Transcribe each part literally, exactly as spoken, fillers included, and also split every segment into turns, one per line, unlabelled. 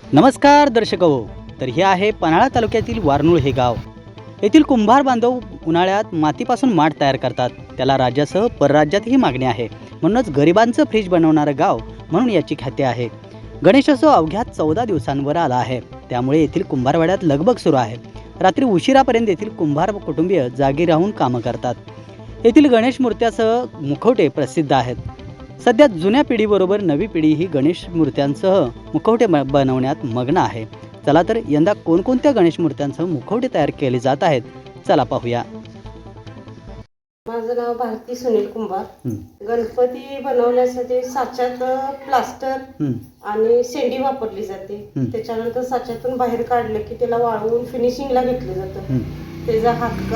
नमस्कार दर्शक हो. तर हे आहे पन्हाळा तालुक्यातील वारनूळ हे गाव. येथील कुंभार बांधव उन्हाळ्यात मातीपासून माठ तयार करतात. त्याला राज्यासह परराज्यातही मागणी आहे. म्हणूनच गरिबांचं फ्रीज बनवणारं गाव म्हणून याची ख्याती आहे. गणेशोत्सव अवघ्या चौदा दिवसांवर आला आहे. त्यामुळे येथील कुंभारवाड्यात लगबग सुरू आहे. रात्री उशिरापर्यंत येथील कुंभार कुटुंबीय जागी राहून कामं करतात. येथील गणेश मूर्त्यासह मुखवटे प्रसिद्ध आहेत. सध्या जुन्या पिढीबरोबर नवी पिढी ही गणेश मूर्त्यांसह मुखवटे बनवण्यात मग्न आहे. चला तर यंदा कोणकोणत्या गणेश मूर्त्यांसह मुखवटे तयार केले जात आहेत, चला पाहूया.
माझं नाव भारती सुनील कुंभार. गणपती बनवण्यासाठी साच्यात प्लास्टर आणि शेंडी वापरली जाते. त्याच्यानंतर साच्यातून बाहेर काढलं की त्याला वाळवून फिनिशिंगला घेतलं जातं. त्याचा हात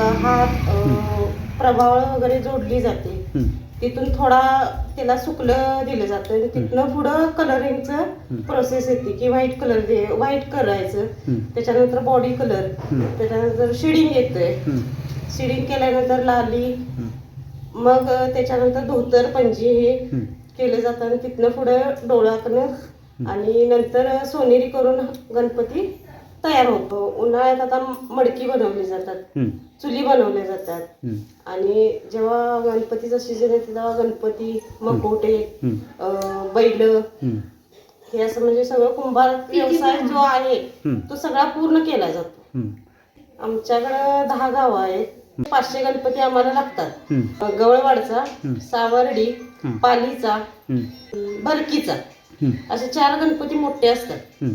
हात प्रभावळ वगैरे जोडली जाते. तिथून थोडा त्याला सुकलं दिलं जातं आणि तिथनं पुढं कलरिंगचं प्रोसेस येते की व्हाईट कलर दे व्हाईट करायचं. त्याच्यानंतर बॉडी कलर, त्याच्यानंतर शेडिंग येतंय. शेडिंग केल्यानंतर लाली, मग त्याच्यानंतर धोतर पंजी हे केलं जातं आणि तिथनं पुढं डोळ्याकडनं आणि नंतर सोनेरी करून गणपती तयार होतो. उन्हाळ्यात आता मडकी बनवली जातात, चुली बनवल्या जातात आणि जेव्हा गणपतीचा सीजन येते तेव्हा गणपती, मकोटे, बैल हे असं म्हणजे सगळं कुंभार व्यवसाय जो आहे तो सगळा पूर्ण केला जातो. आमच्याकडं दहा गाव आहेत. पाचशे गणपती आम्हाला लागतात. गवळवाडचा, सावर्डी, पालीचा, भरकीचा असे चार गणपती मोठे असतात.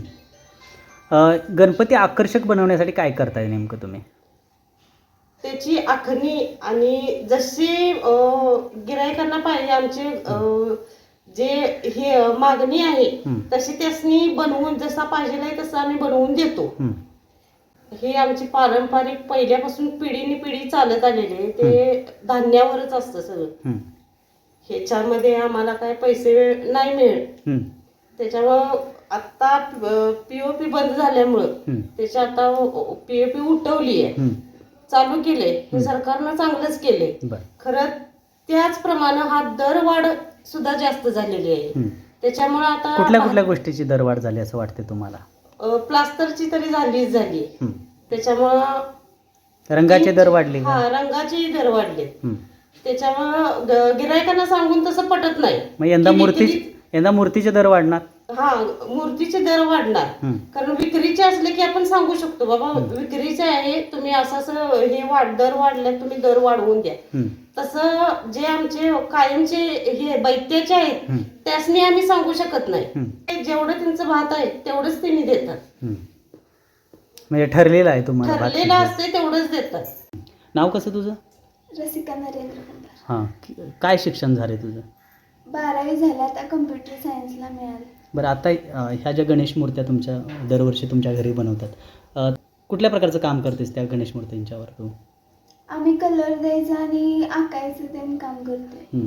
गणपती आकर्षक बनवण्यासाठी काय करताय नेमकं तुम्ही?
त्याची आखणी आणि जशी गिरायकांना पाहिजे आमचे जे हे मागणी आहे तशी त्यासनी बनवून जसा पाहिजे आहे तसं आम्ही बनवून देतो. हे आमची पारंपरिक पहिल्यापासून पिढीने पिढी चालत आलेली आहे. ते धान्यावरच असतं सगळं. ह्याच्यामध्ये आम्हाला काय पैसे नाही मिळत. त्याच्यामुळं आता पीओपी बंद झाल्यामुळं त्याची आता पीओपी उठवली आहे, चालू केले. हे सरकारनं चांगलंच केले. खरं त्याचप्रमाणे हा दरवाढ सुद्धा जास्त झालेली आहे. त्याच्यामुळे आता
कुठल्या कुठल्या गोष्टीची दरवाढ झाली असं वाटते तुम्हाला?
प्लास्टरची तरी झालीच झाली. त्याच्यामुळं
रंगाचे दर वाढले.
हा, रंगाचे दर वाढले. त्याच्यामुळं गिरायकांना सांगून तसं पटत नाही.
मग यंदा मूर्ती यंदा मूर्तीचे दर वाढणार.
हा, मूर्तीचे दर वाढणार. कारण विक्रीचे असले की आपण सांगू शकतो बाबा विक्रीचे आहे, तुम्ही असं असं हे वाढ दर वाढले, तुम्ही दर वाढवून द्या. तसं जे आमचे कायमचे हे बैत्याचे आहेत त्यासनी आम्ही सांगू शकत नाही. जेवढं त्यांचं भात आहे तेवढंच त्यांनी देतात.
म्हणजे ठरलेलं आहे तुम्हाला?
ठरलेलं असते तेवढंच देतात.
नाव कसं तुझं?
रसिका नरेंद्र कुंभार.
हां, काय शिक्षण झाले तुझं?
बारावी झाल्या, आता कम्प्युटर सायन्सला मिळालं.
बरं, आता ह्या ज्या गणेश मूर्त्या तुमच्या दरवर्षी तुमच्या घरी बनवतात, कुठल्या प्रकारचं काम करतेस त्या गणेश मूर्तींच्यावर तू?
आम्ही कलर द्यायचं आणि आकायचं ते काम करतोय.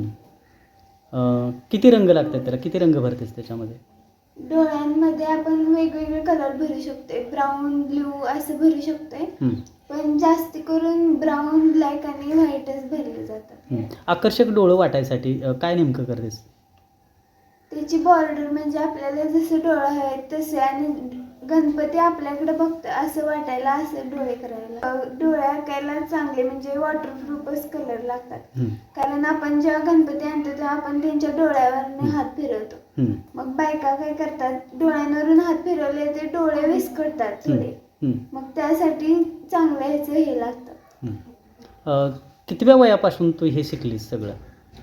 किती रंग लागतात त्याला? किती रंग भरतेस त्याच्यामध्ये?
डोळ्यांमध्ये आपण वेगवेगळे कलर भरू शकतोय, ब्राऊन ब्ल्यू असं भरू शकतोय. पण जास्त करून ब्राऊन, ब्लॅक आणि व्हाईटच भरले जातात.
आकर्षक डोळं वाटायसाठी काय नेमकं करतेस?
त्याची बॉर्डर म्हणजे आपल्याला जसं डोळं आहे तसे आणि गणपती आपल्याकडे बघतो असं वाटायला असं डोळे करायला. डोळे आकायला चांगले म्हणजे वॉटरप्रूफच कलर लागतात. कारण आपण जेव्हा गणपती आणतो तेव्हा आपण त्यांच्या डोळ्यावरने हात फिरवतो. मग बायका काय करतात, डोळ्यांवरून हात फिरवले ते डोळे विस्कटतात थोडे. मग त्यासाठी चांगलं ह्याचं हे लागतं.
कितव्या वयापासून तू हे शिकलीस सगळं?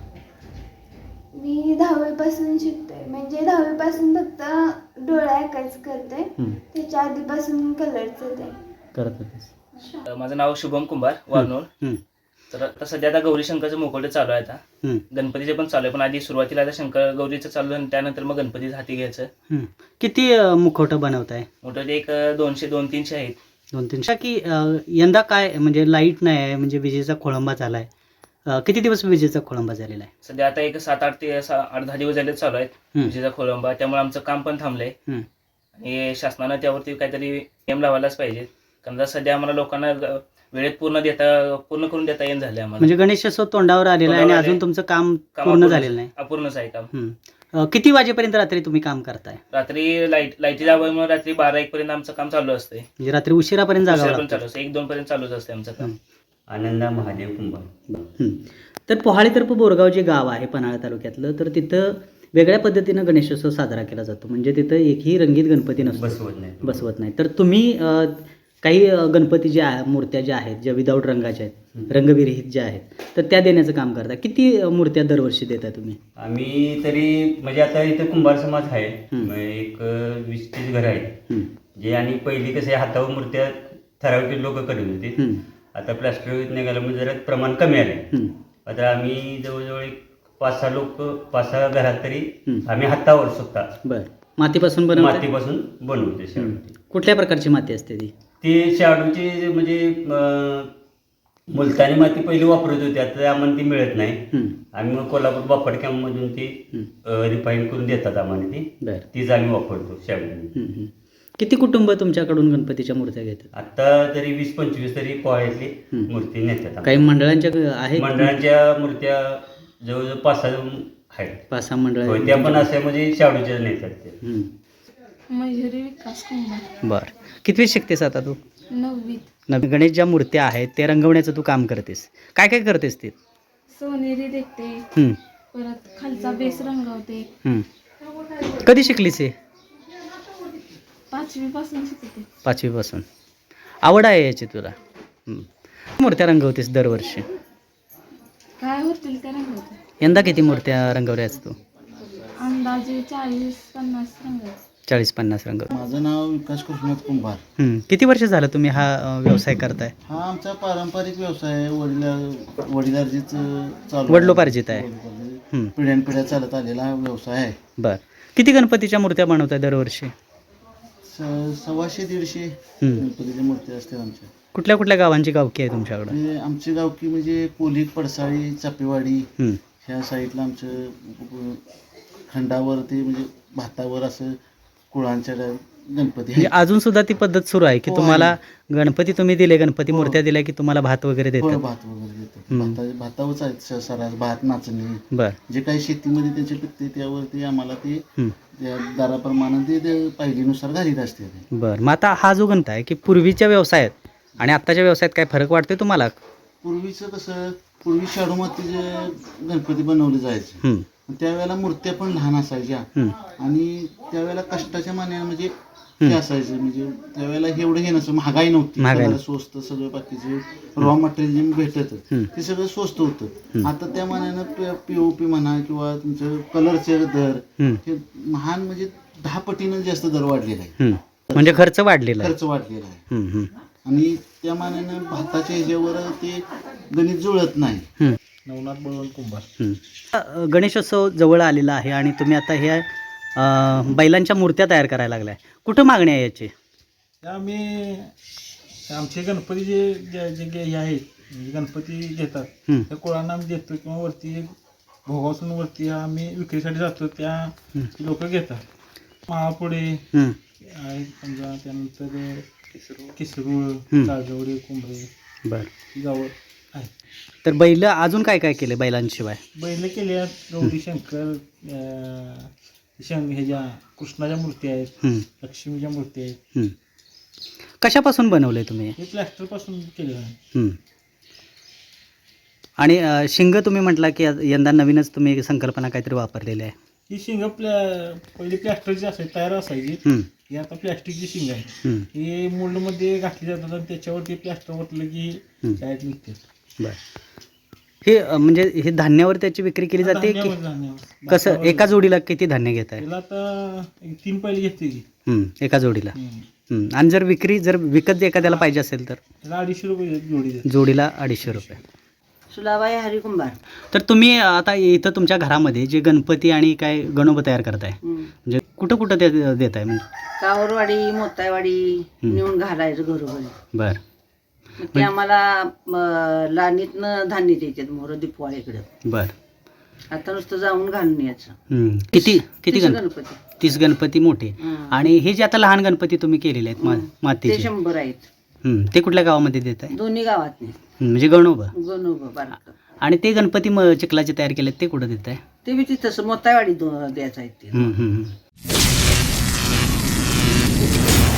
मी दहावी पासून शिकतोय. म्हणजे दहावी पासून फक्त डोळे आकायचं करते, त्याच्या आधीपासून कलरचं ते
करत होतेस.
माझं नाव शुभम कुंभार, वारनूर. तर आता सध्या आता गौरी शंकरचं मुखवटे चालू आहे. आता गणपतीचे पण चालू आहे, पण आधी सुरुवातीला आता शंकर गौरीचं चालू आहे, त्यानंतर मग गणपतीचं हाती घ्यायचं.
किती मुखवटं बनवताय?
मोठे एक दोनशे दोन तीनशे आहेत.
दोन तीनशे की यंदा काय म्हणजे लाईट नाही आहे, म्हणजे विजेचा खोळंबा झालाय. किती दिवस विजेचा खोळंबा झालेला आहे?
सध्या आता एक सात आठ ते आठ दहा दिवस झाले चालू आहेत विजेचा खोळंबा. त्यामुळे आमचं काम पण थांबलंय आणि शासनानं त्यावरती काहीतरी नियम लावायलाच पाहिजे. कारण सध्या आम्हाला लोकांना वेळेत पूर्ण देता पूर्ण करून देता येईन झाले आम्हाला.
म्हणजे गणेशोत्सव तोंडावर आलेला आहे आणि अजून तुमचं काम पूर्ण झालेलं नाही?
अपूर्णच आहे काम.
अ, किती वाजेपर्यंत रात्री तुम्ही काम करताय?
रात्री लाईट लाईटी लावल्यामुळे रात्री बारा एक पर्यंत आमचं काम चालू असतंय.
म्हणजे रात्री उशिरापर्यंत जागावं
उशिरापर्यंत
लागतं.
चालू असतं, एक दोन पर्यंत चालूच असते आमचं काम.
आनंदा महादेव कुंभार.
हं. तर पोहाळी तर्फे बोरगाव जे गाव आहे पन्हाळा तालुक्यातलं, तर तिथं वेगळ्या पद्धतीनं गणेशोत्सव साजरा केला जातो. म्हणजे तिथं एकही रंगीत गणपती नसतो,
बसवत नाही.
बसवत नाही. तर तुम्ही अ, काही अ, गणपती ज्या आहे, मूर्त्या ज्या आहेत, ज्या विदाऊट रंगाच्या आहेत, रंगविरहित ज्या आहेत, तर त्या देण्याचं काम करता. किती अ, मूर्त्या दरवर्षी देता तुम्ही?
आम्ही तरी म्हणजे आता इथं कुंभार समाज आहे.
हं.
मग एक अं, वीस तीस घर आहेत
हं.
जे, आणि पहिली कसं आहे, हातावर मूर्त्या ठराविक लोक करत होते.
हं.
आता प्लास्टर निघालं म्हणजे जरा प्रमाण कमी आलं.
हं.
आता आम्ही जवळजवळ एक पाच सहा लोक पाच सहा घरात तरी
हं.
आम्ही हातावर स्वतः
बरं. मातीपासून बनवता?
मातीपासून बनवते
हं.
शाडू.
कुठल्या प्रकारची माती असते ती?
ते शाडूची म्हणजे अं, मुलतानी माती पहिली वापरत होती, आता आम्हाला ती मिळत नाही.
हं.
आम्ही मग कोल्हापूर बापड कॅम्पमधून ती
हं.
रिफाईन करून देतात आम्हाला ती.
बरं.
तीच आम्ही वापरतो शाडू.
हं. हं. किती कुटुंब तुमच्याकडून गणपतीच्या मूर्त्या घेतात?
आता तरी वीस पंचवीस तरी पोहायतली
हं.
मूर्ती नेतात.
काही मंडळांच्या ग- आहेत?
मंडळांच्या मूर्त्या जवळजवळ पाच सहा आहेत.
पाच सहा मंडळ
होय, त्या पण अशा म्हणजे शाडूच्या नेतात ते.
हं.
मयुरी विकास कुंभार.
बरं. कितवी शिकतेस आता तू?
नववीत.
नवीन गणेश ज्या मूर्त्या आहेत ते रंगवण्याचं तू काम करतेस. काय काय करतेस ते?
सोनेरी देखते,
हं.
परत खालचा बेस रंगवते.
हं. कधी शिकलीस हे?
पाचवी पासून शिकते.
पाचवीपासून. आवड आहे याची तुला? हं. मूर्त्या रंगवतेस दरवर्षी.
काय होतील ते रंगवते.
यंदा किती मूर्त्या रंगवल्यास तू?
अंदाजे चाळीस पन्नास रंगवते.
चाळीस पन्नास रंग.
माझं नाव विकास कृष्णनाथ कुंभार.
हं. किती वर्ष झालं तुम्ही हा अ, व्यवसाय करताय?
हा आमचा पारंपरिक व्यवसाय आहे. वडिला वडिलार्जित चालू
वडिलोपार्जित आहे.
वडिलोपार्जित.
हं.
पिढ्यानपिढ्या चालत आलेला हा व्यवसाय आहे.
बरं. किती गणपतीच्या मूर्त्या बनवताय दरवर्षी?
स- सव्वाशे दीडशे
हं.
गणपतीच्या मूर्ती असतात आमच्या.
कुठल्या कुठल्या गावांची गावकी आहे तुमच्याकडं?
म्हणजे आमची गावकी म्हणजे कोली, पडसाळी, चापेवाडी
हं.
ह्या साईडला आमचं अ, खंडावरती म्हणजे भातावर असं कुळांच्या गणपती
म्हणजे
आहेत.
अजून सुद्धा ती पद्धत सुरू आहे की
हो,
तुम्हाला
आहे.
गणपती तुम्ही दिले, गणपती
हो.
मूर्त्या दिल्या की तुम्हाला भात वगैरे
फळ
देतात?
भात वगैरे देतात.
हं.
भाता भातावरच आहेत स- सरास भात, नाचणी,
बरं.
जे काही शेतीमध्ये त्यांचे पिकते त्यावरती आम्हाला ते
हं.
त्या दराप्रमाणे ते ते पाहिलीनुसार घालीत असते ते.
बरं. मग आता हा जो गणता आहे की पूर्वीच्या व्यवसायात आणि आत्ताच्या व्यवसायात काय फरक वाटतोय तुम्हाला?
पूर्वीचं कसं, पूर्वी शाडू मातीचे गणपती बनवले जायचे.
हं.
त्यावेळेला मूर्त्या पण लहान असायच्या
हं.
आणि त्यावेळेला कष्टाच्या मानाने म्हणजे
हं.
हे असायचं, म्हणजे त्यावेळेला एवढं हे नसतं, महागाई नव्हती,
महागाई
सगळं स्वस्त, सगळं बाकीचे रॉ मटेरियल जे भेटत
हं.
ते सगळं स्वस्त होतं.
हं.
आता त्या मानानं पीओपी म्हणा किंवा तुमचं कलरचे दर
हं.
हे महान म्हणजे दहा पटीनं जास्त दर वाढलेला आहे.
हं. म्हणजे खर्च वाढलेला आहे.
खर्च वाढलेला आहे
हं. हं.
आणि त्या मानानं भाताच्या ह्याच्यावर ते गणित जुळत नाही.
हं.
नवनाथ बळवंत कुंभार.
हं. अ, गणेशोत्सव जवळ आलेला आहे आणि तुम्ही आता ह्या अ, बैलांच्या मूर्त्या तयार करायला लागलाय. कुठं मागणी आहे याची?
आम्ही आमचे गणपती जे जे जे जे हे आहेत, म्हणजे गणपती घेतात
हं.
त्या कोळांना आम्ही देतो किंवा वरती भोगासून वरती आम्ही विक्रीसाठी जातो, त्या
हं.
लोक घेतात. महापुढे
हं.
आहेत समजा, त्यानंतर किसरूळ,
हं.
जागवडे, कुंभरे
बरं.
गाव आहेत.
तर बैल अजून काय काय केले बैलांशिवाय?
बैल केले आहेत, गौरी शंकर, अं, शंग ह्याच्या कृष्णाच्या मूर्ती आहेत,
हं.
लक्ष्मीच्या मूर्ती आहेत.
हं. कशापासून बनवले तुम्ही?
हे प्लॅस्टर पासून केलेलं आहे.
हं. आणि अ, शिंग तुम्ही म्हटला की या- यंदा नवीनच तुम्ही संकल्पना काहीतरी वापरलेली आहे.
ही शिंग प्लॅ पहिली प्लॅस्टरची असायची, तयार असायची.
हं.
ही आता प्लॅस्टिकची शिंग आहे.
हं.
ही मोल्डमध्ये घातली जातात आणि त्याच्यावरती प्लॅस्टर ओतलं की
हं.
डायरेक्ट निघते.
बरं. हे अ, म्हणजे हे धान्यावर त्याची विक्री केली जाते की
धान्यावर- धान्यावर.
कसं?
भातावर-
एका जोडीला किती धान्य घेत आहे?
त्याला आता एक तीन पहिले घेते की.
हं. एका जोडीला.
हं.
हं. आणि जर विक्री जर विकत एखाद्याला पाहिजे असेल तर
त्याला अडीचशे रुपये जोडी देते.
जोडीला अडीचशे रुपये.
सुलाबाई हरिकुंभार.
तर तुम्ही आता इथं तुमच्या घरामध्ये जे गणपती आणि काय गणोबा तयार करताय, म्हणजे कुठं कुठं ते देत आहे म्हणजे?
कावरवाडी, मोतायवाडी
हं.
नेऊन घालायचं घरोघरी.
बरं.
मग ते आम्हाला म, लाणीतनं धान्य द्यायचे मोर दिपवाळीकडे.
बरं.
आता नुसतं जाऊन घालून यायचं.
हं. किती किती
तीस
गण
गणपती.
तीस गणपती मोठे.
हं.
आणि हे जे आता लहान गणपती तुम्ही केलेले आहेत मा
हं. ते
मातीचे,
शंभर आहेत
हं. ते कुठल्या गावामध्ये देत आहे?
दोन्ही गावात
म्हणजे गणोबा.
गणोबा बारक.
आणि ते गणपती म चिखलाचे तयार केलेत ते कुठं देत आहे?
ते बी तिथंच मोतावाडी द्यायचं आहे ते
हम्म, हम्म, हम्म.